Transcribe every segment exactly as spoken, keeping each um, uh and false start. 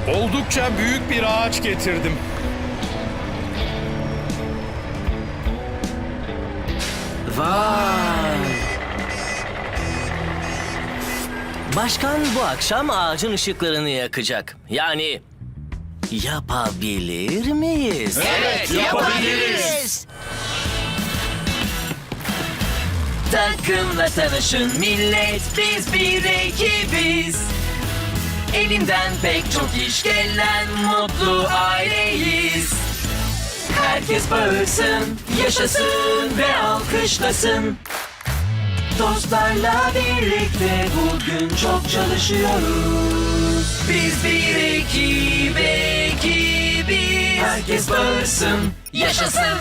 Oldukça büyük bir ağaç getirdim. Vay! Başkan bu akşam ağacın ışıklarını yakacak. Yani yapabilir miyiz? Evet, yapabiliriz. Takımla tanışın millet, biz bir ekibiz. Elinden pek çok iş gelen mutlu aileyiz. Herkes bağırsın, yaşasın ve alkışlasın. Dostlarla birlikte bugün çok çalışıyoruz. Biz bir ekip, ekibiz. Herkes bağırsın, yaşasın.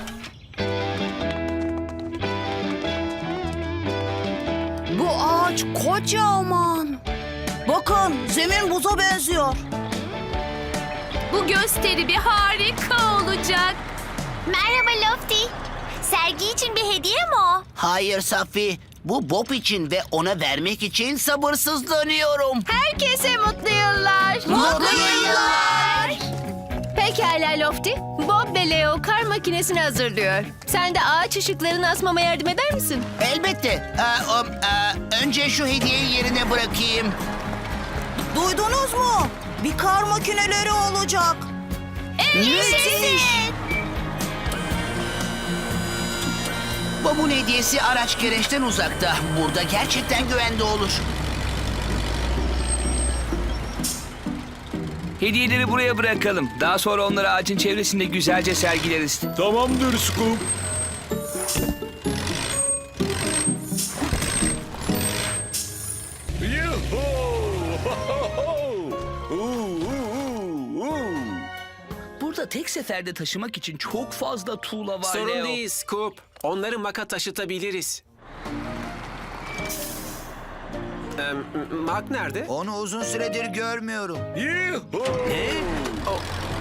Bu ağaç kocaman. Bakın, zemin buza benziyor. Bu gösteri bir harika olacak. Merhaba Lofty. Sergi için bir hediye mi o? Hayır Safi, bu Bob için ve ona vermek için sabırsızlanıyorum. Herkese mutlu yıllar. Mutlu yıllar. Pekala Lofty. Bob ve Leo kar makinesini hazırlıyor. Sen de ağaç ışıklarını asmama yardım eder misin? Elbette. Ee, o, e, önce şu hediyeyi yerine bırakayım. Duydunuz mu? Bir kar makineleri olacak. Müthiş! Bob'un hediyesi araç gereçten uzakta. Burada gerçekten güvende olur. Hediyeleri buraya bırakalım. Daha sonra onları ağacın çevresinde güzelce sergileriz. Tamamdır Scoop. Burada tek seferde taşımak için çok fazla tuğla var Sorun Leo. değil Scoop. Onları maka taşıtabiliriz. Ee, Mark nerede? Onu uzun süredir görmüyorum. Ne? O,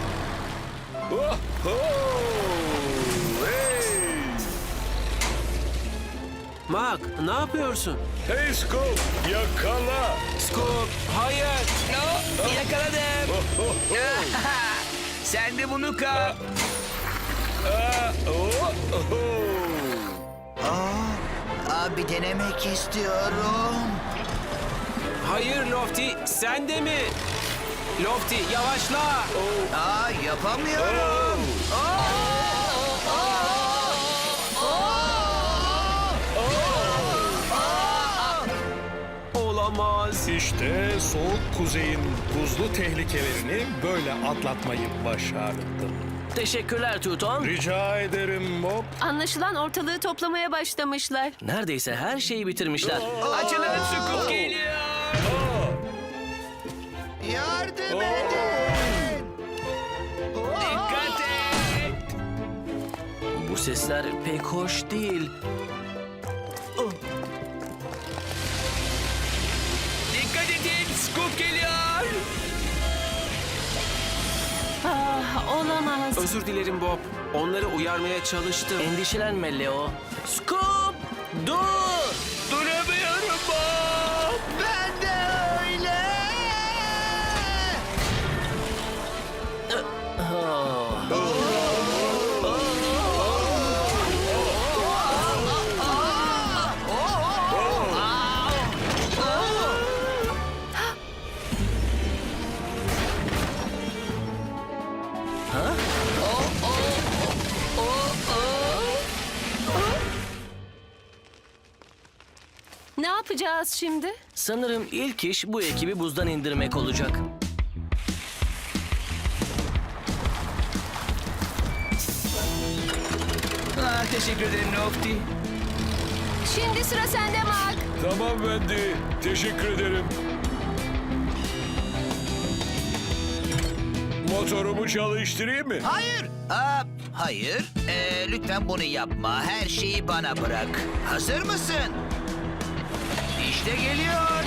Mark ne yapıyorsun? Hey Scoop, yakala. Scoop hayır. No, yakaladım. Sen de bunu kap. Aa, abi denemek istiyorum. Hayır Lofty sen de mi? Lofty yavaşla. Aa, yapamıyorum. Olamaz. İşte soğuk kuzeyin buzlu tehlikelerini böyle atlatmayı başardım. Teşekkürler Tuton. Rica ederim Bob. Anlaşılan ortalığı toplamaya başlamışlar. Neredeyse her şeyi bitirmişler. Açılın, Scoop geliyor. Yardım edin. Dikkat et. Bu sesler pek hoş değil. Dikkat edin, Scoop geliyor. Ah, olamaz. Özür dilerim Bob. Onları uyarmaya çalıştım. Endişelenme Leo. Scoop! Dur! Duramıyorum Bob. Ben de öyle. Oh. Ne yapacağız şimdi? Sanırım ilk iş bu ekibi buzdan indirmek olacak. Ah, teşekkür ederim Lofty. Şimdi sıra sende Mark. Tamam Wendy, teşekkür ederim. Motorumu çalıştırayım mı? Hayır. Aa, hayır. Ee, lütfen bunu yapma. Her şeyi bana bırak. Hazır mısın? İşte geliyor.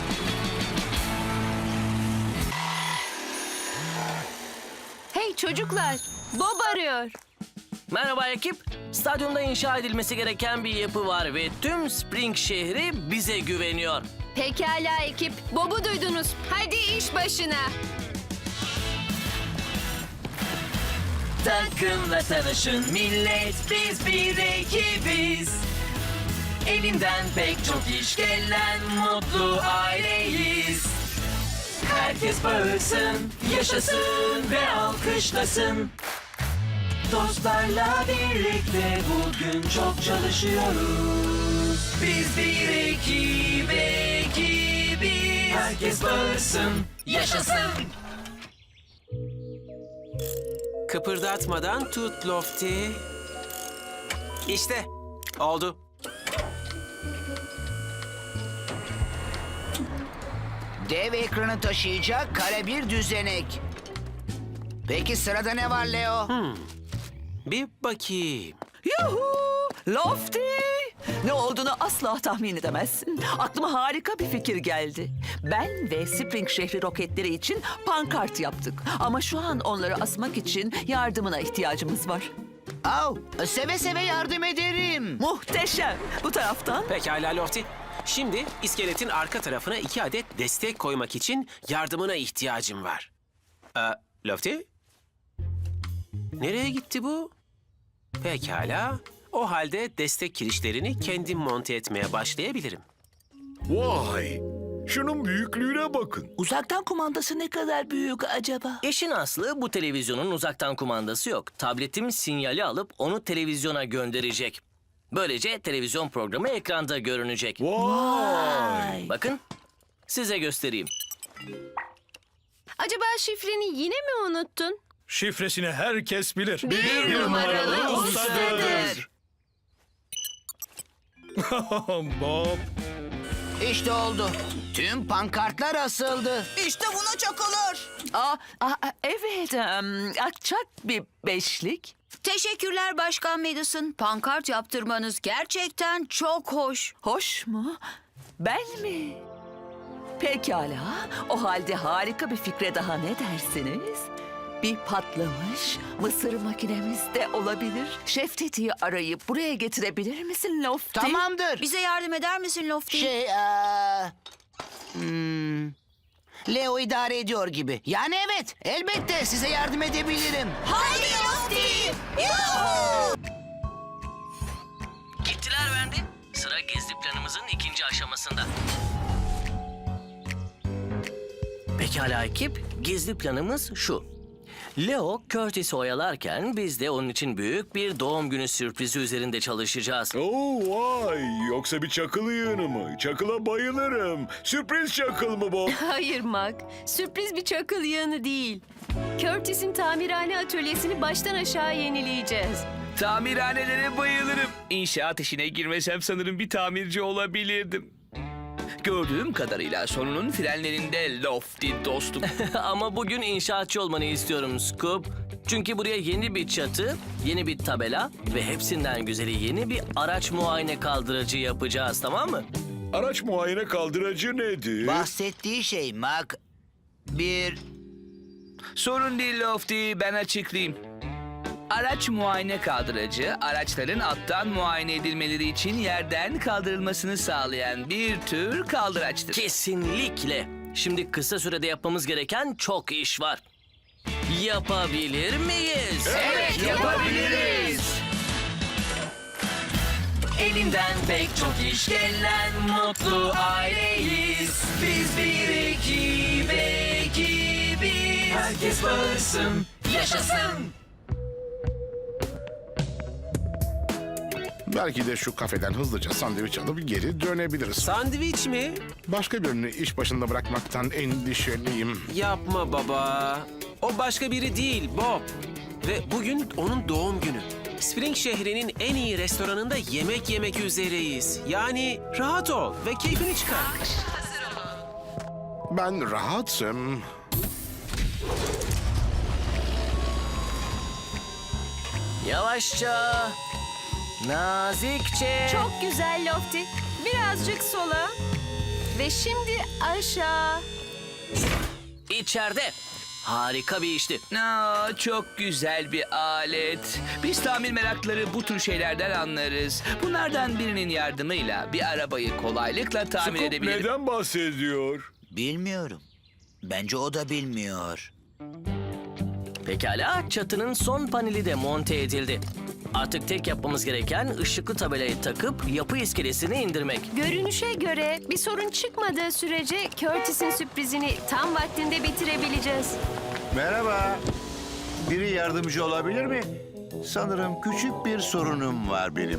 Hey çocuklar, Bob arıyor. Merhaba ekip. Stadyumda inşa edilmesi gereken bir yapı var ve tüm Spring şehri bize güveniyor. Pekala ekip, Bob'u duydunuz. Hadi iş başına. takımla tanışın millet, biz bir ekibiz. Elinden pek çok iş gelen mutlu aileyiz. Herkes bağırsın, yaşasın ve alkışlasın. Dostlarla birlikte bugün çok çalışıyoruz. Biz bir ekip, ekibiz. Herkes bağırsın, yaşasın. Kıpırdatmadan tut Lofty. İşte oldu. Dev ekranı taşıyacak kare bir düzenek. Peki sırada ne var Leo? Bir bakayım. Yuhu! Lofty! Ne olduğunu asla tahmin edemezsin. Aklıma harika bir fikir geldi. Ben ve Spring şehri roketleri için pankart yaptık. Ama şu an onları asmak için yardımına ihtiyacımız var. Au, seve seve yardım ederim. Muhteşem! Bu taraftan Pekala Lofty. Şimdi iskeletin arka tarafına iki adet destek koymak için yardımına ihtiyacım var. Ee, Lofty? Nereye gitti bu? Pekala. O halde destek kirişlerini kendim monte etmeye başlayabilirim. Vay! Şunun büyüklüğüne bakın. uzaktan kumandası ne kadar büyük acaba? İşin aslı bu televizyonun uzaktan kumandası yok. Tabletim sinyali alıp onu televizyona gönderecek. Böylece televizyon programı ekranda görünecek. Vay! Bakın, size göstereyim. Acaba şifreni yine mi unuttun? Şifresini herkes bilir. Bir numaralı ustadır. Bob. İşte oldu. Tüm pankartlar asıldı. İşte buna çakılır. Aa, aa, evet, em, akçak bir beşlik. Teşekkürler Başkan Madison. Pankart yaptırmanız gerçekten çok hoş. Hoş mu? Ben mi? Pekala. O halde harika bir fikre daha ne dersiniz? Bir patlamış mısır makinemiz de olabilir. Şef Teti'yi arayıp buraya getirebilir misin Lofty? Tamamdır. Bize yardım eder misin Lofty? Şey, eee, hmm, Leo idare ediyor gibi. Yani evet, elbette size yardım edebilirim. Haydi Lofty! Yuhuu! Gittiler Wendy. Sıra gizli planımızın ikinci aşamasında. Pekala ekip, gizli planımız şu. Leo, Curtis'i oyalarken biz de onun için büyük bir doğum günü sürprizi üzerinde çalışacağız. Oo vay! Yoksa bir çakıl yığını mı? Çakıla bayılırım. Sürpriz çakıl mı Bob? Hayır Mac. Sürpriz bir çakıl yığını değil. Curtis'in tamirhane atölyesini baştan aşağı yenileyeceğiz. Tamirhanelere bayılırım. İnşaat işine girmesem sanırım bir tamirci olabilirdim. Gördüğüm kadarıyla sorunun frenlerinde Lofty dostum. Ama bugün inşaatçı olmanı istiyorum Scoop. Çünkü buraya yeni bir çatı, yeni bir tabela ve hepsinden güzeli yeni bir araç muayene kaldırıcı yapacağız, tamam mı? Araç muayene kaldıracı nedir? Bahsettiği şey Mac, bir Sorun değil Lofty, ben açıklayayım. Araç muayene kaldırıcı, araçların alttan muayene edilmeleri için yerden kaldırılmasını sağlayan bir tür kaldıraçtır. Kesinlikle. Şimdi kısa sürede yapmamız gereken çok iş var. Yapabilir miyiz? Evet, yapabiliriz. Elinden pek çok iş gelen mutlu aileyiz. Biz bir ekip, ekibiz. Herkes bağırsın, yaşasın. Belki de şu kafeden hızlıca sandviç alıp geri dönebiliriz. Sandviç mi? Başka birini iş başında bırakmaktan endişeliyim. Yapma baba. O başka biri değil Bob. Ve bugün onun doğum günü. Spring şehrinin en iyi restoranında yemek yemek üzereyiz. Yani rahat ol ve keyfini çıkar. Ben rahatım. Yavaşça, nazikçe. Çok güzel Lofty. Birazcık sola. Ve şimdi aşağı. İçeride. Harika bir işti. Aa, çok güzel bir alet. Biz tamir merakları bu tür şeylerden anlarız. Bunlardan birinin yardımıyla bir arabayı kolaylıkla tamir Scoop edebilirim. neden bahsediyor? bilmiyorum. Bence o da bilmiyor. Pekala, çatının son paneli de monte edildi. Artık tek yapmamız gereken ışıklı tabelayı takıp yapı iskelesini indirmek. Görünüşe göre bir sorun çıkmadığı sürece Curtis'in sürprizini tam vaktinde bitirebileceğiz. Merhaba. Biri yardımcı olabilir mi? Sanırım küçük bir sorunum var benim.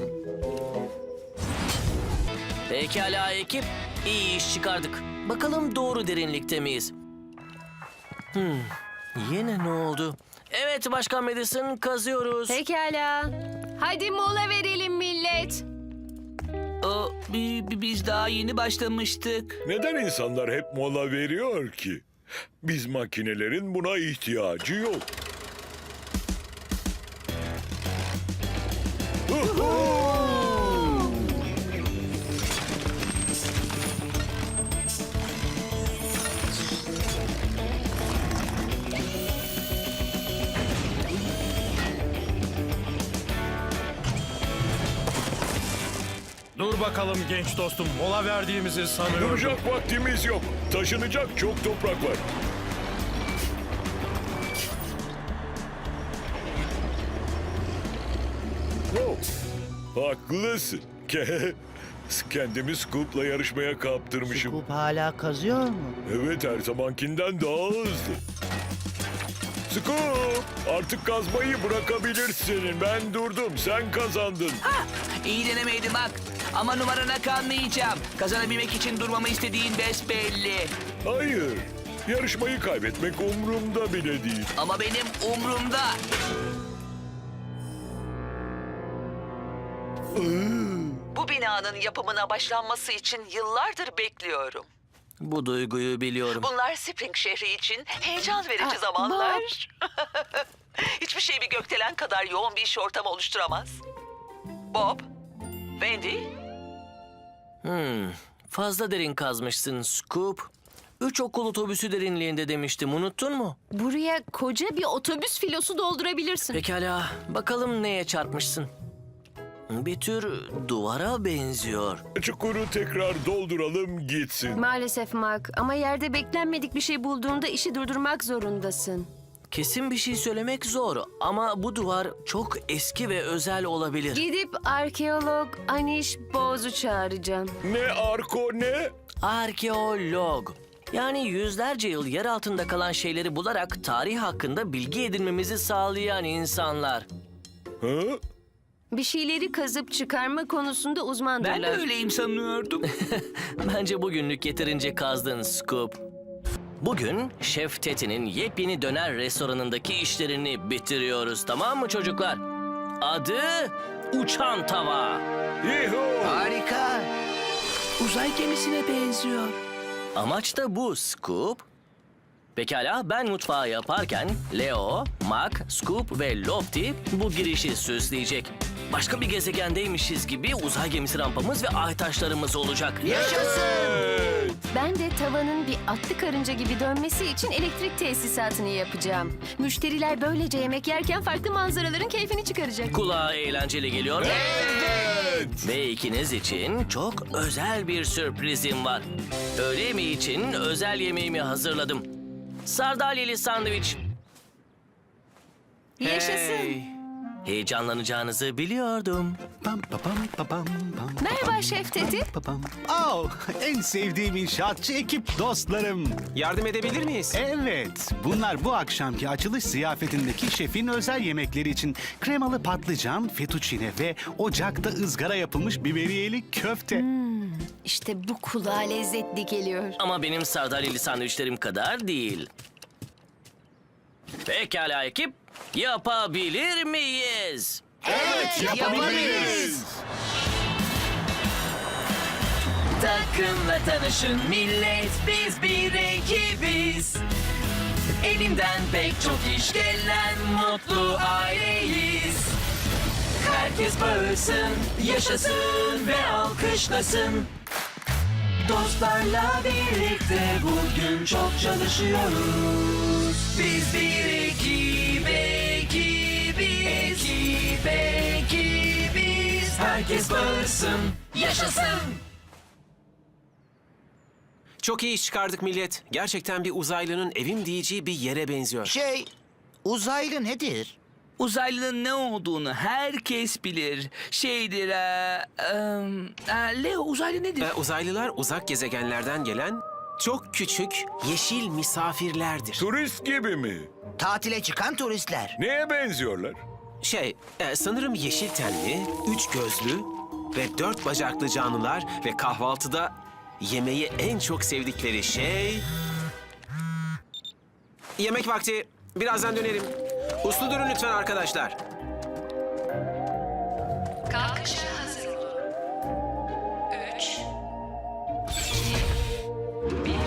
Pekala ekip, iyi iş çıkardık. Bakalım doğru derinlikte miyiz? Hmm, yine ne oldu? Evet Başkan Madison, kazıyoruz. Pekala. Hadi mola verelim millet. O, bi- bi- biz daha yeni başlamıştık. Neden insanlar hep mola veriyor ki? Biz makinelerin buna ihtiyacı yok. Dur bakalım genç dostum, mola verdiğimizi sanıyorum. Duracak vaktimiz yok. Taşınacak çok toprak var. Oh, haklısın. Ke- Kendimi Scoop'la yarışmaya kaptırmışım. Scoop hala kazıyor mu? Evet, her zamankinden daha hızlı. Scoop, artık kazmayı bırakabilirsin. Ben durdum, sen kazandın. İyi denemeydi bak. Ama numarana kalmayacağım. Kazanabilmek için durmamı istediğin besbelli. Hayır, yarışmayı kaybetmek umurumda bile değil. Ama benim umrumda. Bu binanın yapımına başlanması için yıllardır bekliyorum. Bu duyguyu biliyorum. Bunlar Spring şehri için heyecan verici zamanlar. Hiçbir şey bir gökdelen kadar yoğun bir iş ortamı oluşturamaz. Bob, Wendy, Hmm, fazla derin kazmışsın Scoop. Üç okul otobüsü derinliğinde demiştim, unuttun mu? Buraya koca bir otobüs filosu doldurabilirsin. Pekala, bakalım neye çarpmışsın? Bir tür duvara benziyor. Çukuru tekrar dolduralım gitsin. Maalesef Mark, ama yerde beklenmedik bir şey bulduğunda işi durdurmak zorundasın. Kesin bir şey söylemek zor ama bu duvar çok eski ve özel olabilir. Gidip arkeolog Anish Boz'u çağıracağım. Ne arko ne? Arkeolog. Yani yüzlerce yıl yer altında kalan şeyleri bularak tarih hakkında bilgi edinmemizi sağlayan insanlar. Hı? Bir şeyleri kazıp çıkarma konusunda uzmandırlar. Ben de öyleyim sanıyordum. Bence bugünlük yeterince kazdın Scoop. Bugün Şef Teti'nin yepyeni döner restoranındaki işlerini bitiriyoruz, tamam mı çocuklar? Adı Uçan Tava. Yuhu! Harika. Uzay gemisine benziyor. Amaç da bu Scoop. Pekala, ben mutfağı yaparken Leo, Mac, Scoop ve Lofty bu girişi süsleyecek. Başka bir gezegendeymişiz gibi uzay gemisi rampamız ve ay taşlarımız olacak. Evet. Ben de tavanın bir atlı karınca gibi dönmesi için elektrik tesisatını yapacağım. Müşteriler böylece yemek yerken farklı manzaraların keyfini çıkaracak. Kulağa eğlenceli geliyor. Evet. Ve ikiniz için çok özel bir sürprizim var. Öğle yemeği için özel yemeğimi hazırladım. Sardalyeli sandviç. Yaşasın. Heyecanlanacağınızı biliyordum. Pam, pa, pam, pa, pam, pam, Merhaba Şef Teti. pa, pam. Oh, en sevdiğim inşaatçı ekip dostlarım. Yardım edebilir miyiz? Evet, bunlar bu akşamki açılış ziyafetindeki şefin özel yemekleri için kremalı patlıcan, fettuccine ve ocakta ızgara yapılmış biberiyeli köfte. İşte bu kulağa lezzetli geliyor. Ama benim sardalyeli sandviçlerim kadar değil. Pekala ekip, yapabilir miyiz? Evet, yapabiliriz. Takımla tanışın millet, biz bir ekibiz. Elimden pek çok iş gelen mutlu aileyiz. Herkes bağırsın, yaşasın ve alkışlasın. Dostlarla birlikte bugün çok çalışıyoruz. Biz bir ekip, ekibiz, ekip, ekibiz. Herkes bağırsın, yaşasın. Çok iyi iş çıkardık millet. Gerçekten bir uzaylının evim diyeceği bir yere benziyor. Şey, Uzaylı nedir? Uzaylının ne olduğunu herkes bilir. Şeydir... E, e, e, Leo, uzaylı nedir? Ee, uzaylılar uzak gezegenlerden gelen çok küçük yeşil misafirlerdir. Turist gibi mi? Tatile çıkan turistler. Neye benziyorlar? Şey, e, sanırım yeşil tenli, üç gözlü ve dört bacaklı canlılar ve kahvaltıda yemeği en çok sevdikleri şey... Yemek vakti. Birazdan dönerim. Uslu durun lütfen arkadaşlar. Kalkışa hazır olun. Üç, iki, bir.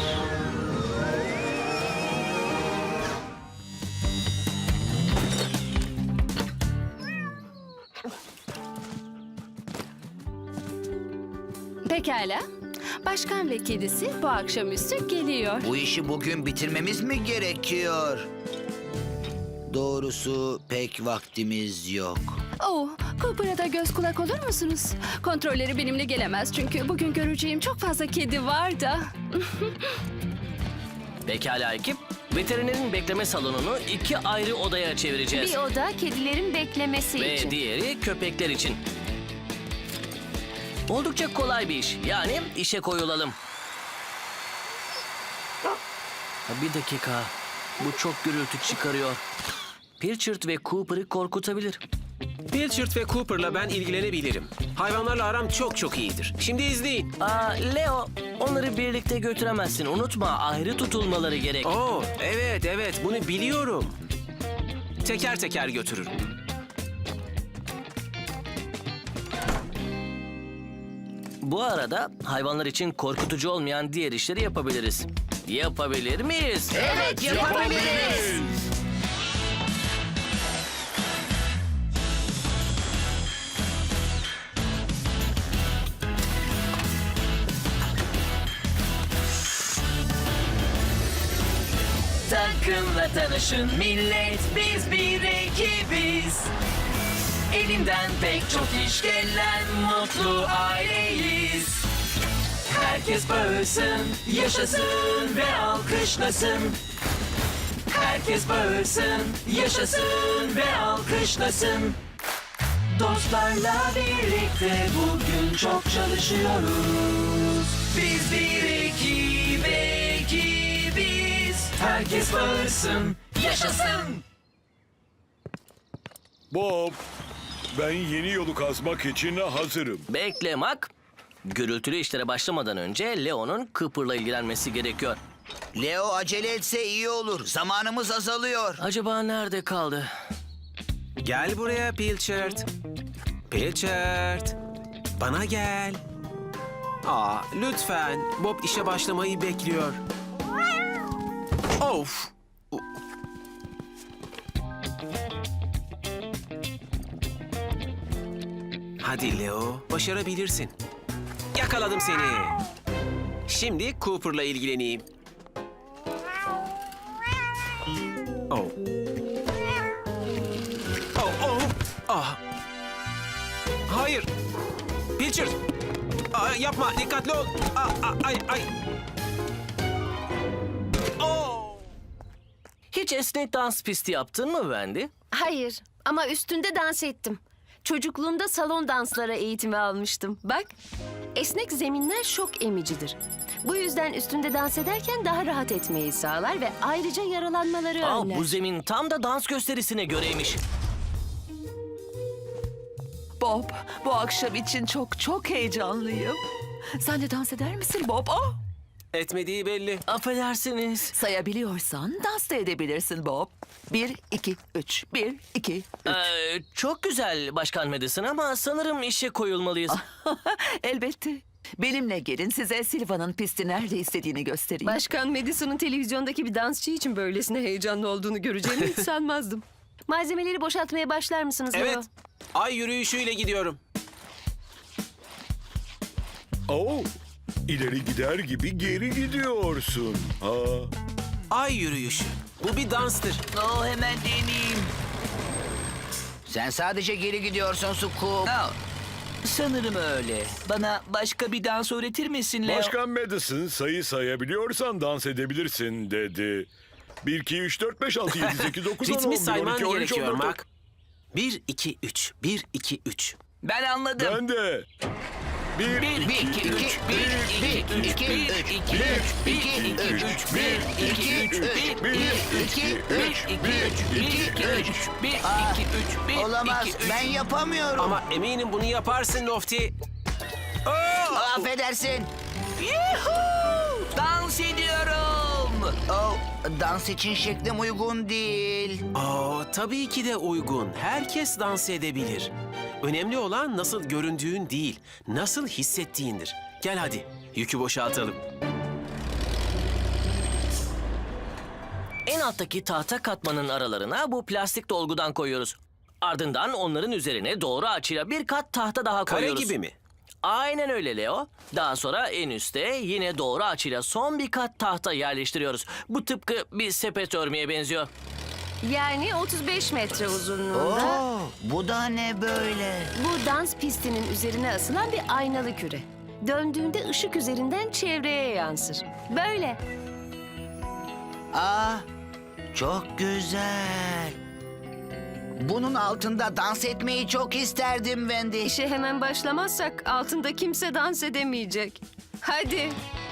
Pekala. Başkan ve kedisi bu akşamüstü geliyor. Bu işi bugün bitirmemiz mi gerekiyor? Doğrusu pek vaktimiz yok. Oh, Cooper'a da göz kulak olur musunuz? Kontrolleri benimle gelemez çünkü bugün göreceğim çok fazla kedi var da. Pekala ekip. Veterinerin bekleme salonunu iki ayrı odaya çevireceğiz. Bir oda kedilerin beklemesi Ve için. diğeri köpekler için. Oldukça kolay bir iş. Yani işe koyulalım. Ha, bir dakika. Bu çok gürültü çıkarıyor. Pilchard ve Cooper'ı korkutabilir. Pilchard ve Cooper'la ben ilgilenebilirim. Hayvanlarla aram çok çok iyidir. Şimdi izleyin. Aa, Leo, onları birlikte götüremezsin. Unutma, ayrı tutulmaları gerek. Oo, evet evet bunu biliyorum. Teker teker götürürüm. Bu arada hayvanlar için korkutucu olmayan diğer işleri yapabiliriz. Yapabilir miyiz? Evet, yapabiliriz. Takımla tanışın millet, biz bir ekibiz. Elinden pek çok iş gelen mutlu aileyiz. Herkes bağırsın, yaşasın ve alkışlasın. Herkes bağırsın, yaşasın ve alkışlasın. Dostlarla birlikte bugün çok çalışıyoruz. Biz bir ekip, ekibiz. Herkes bağırsın, yaşasın. Bob, ben yeni yolu kazmak için hazırım. Bekle Mak. Gürültülü işlere başlamadan önce Leo'nun Cooper'la ilgilenmesi gerekiyor. Leo acele etse iyi olur. Zamanımız azalıyor. Acaba nerede kaldı? Gel buraya Pilchard. Pilchard. Bana gel. Aa, lütfen. Bob işe başlamayı bekliyor. Of. Hadi Leo, başarabilirsin. Yakaladım seni. Şimdi Cooper'la ilgileneyim. Oh. Oh, oh. Ah. Hayır. Pilchard. Aa, yapma, dikkatli ol. Aa, aa, ay, ay. Oh. Hiç esnek dans pisti yaptın mı Wendy? Hayır ama üstünde dans ettim. Çocukluğumda salon danslara eğitimi almıştım. Bak, esnek zeminler şok emicidir. Bu yüzden üstünde dans ederken daha rahat etmeyi sağlar ve ayrıca yaralanmaları Aa, önler. bu zemin tam da dans gösterisine göreymiş. Bob, bu akşam için çok çok heyecanlıyım. Sen de dans eder misin Bob? Oh! Etmediği belli. Affedersiniz. Sayabiliyorsan dans da edebilirsin Bob. Bir, iki, üç. Bir, iki, üç. Ee, çok güzel Başkan Madison ama sanırım işe koyulmalıyız. Elbette. Benimle gelin size Silva'nın pisti nerede istediğini göstereyim. Başkan Madison'un televizyondaki bir dansçı için böylesine heyecanlı olduğunu göreceğimi hiç sanmazdım. Malzemeleri boşaltmaya başlar mısınız Leo? Evet. Ay yürüyüşüyle gidiyorum. Oo, ileri gider gibi geri gidiyorsun. Ha. Ay yürüyüşü. Bu bir danstır. Oh, hemen deneyeyim. Sen sadece geri gidiyorsun Scoop. Aa, sanırım öyle. Bana başka bir dans öğretir misin Leo? Başkan Madison sayı sayabiliyorsan dans edebilirsin dedi. bir, iki, üç, dört, beş, altı, yedi, sekiz, dokuz, on, on Ritmi bir, sayman on iki, on üç, gerekiyor on dört. Mak. bir, iki, üç. bir, iki, üç. Ben anladım. Ben de. Bir, Bir, iki, üç, bir, bir, iki, üç, bir, iki, üç, bir, iki, üç, bir, iki, üç, bir, iki, üç, bir, iki, üç. bir, Aa, iki, üç, bir, Olamaz, iki, üç. ben yapamıyorum. Ama eminim bunu yaparsın Lofty. Affedersin. Yuhuu! Dans ediyorum. Oh, dans için şeklim uygun değil. Aa, tabii ki de uygun. Herkes dans edebilir. Önemli olan nasıl göründüğün değil, nasıl hissettiğindir. Gel hadi, yükü boşaltalım. En alttaki tahta katmanın aralarına bu plastik dolgudan koyuyoruz. Ardından onların üzerine doğru açıyla bir kat tahta daha Kare koyuyoruz. gibi mi? Aynen öyle Leo. Daha sonra en üste yine doğru açıyla son bir kat tahta yerleştiriyoruz. Bu tıpkı bir sepet örmeye benziyor. Yani otuz beş metre uzunluğunda. Oo, bu da ne böyle? Bu dans pistinin üzerine asılan bir aynalı küre. Döndüğünde ışık üzerinden çevreye yansır. Böyle. Aa, çok güzel. Bunun altında dans etmeyi çok isterdim Wendy. İşe hemen başlamazsak altında kimse dans edemeyecek. Hadi.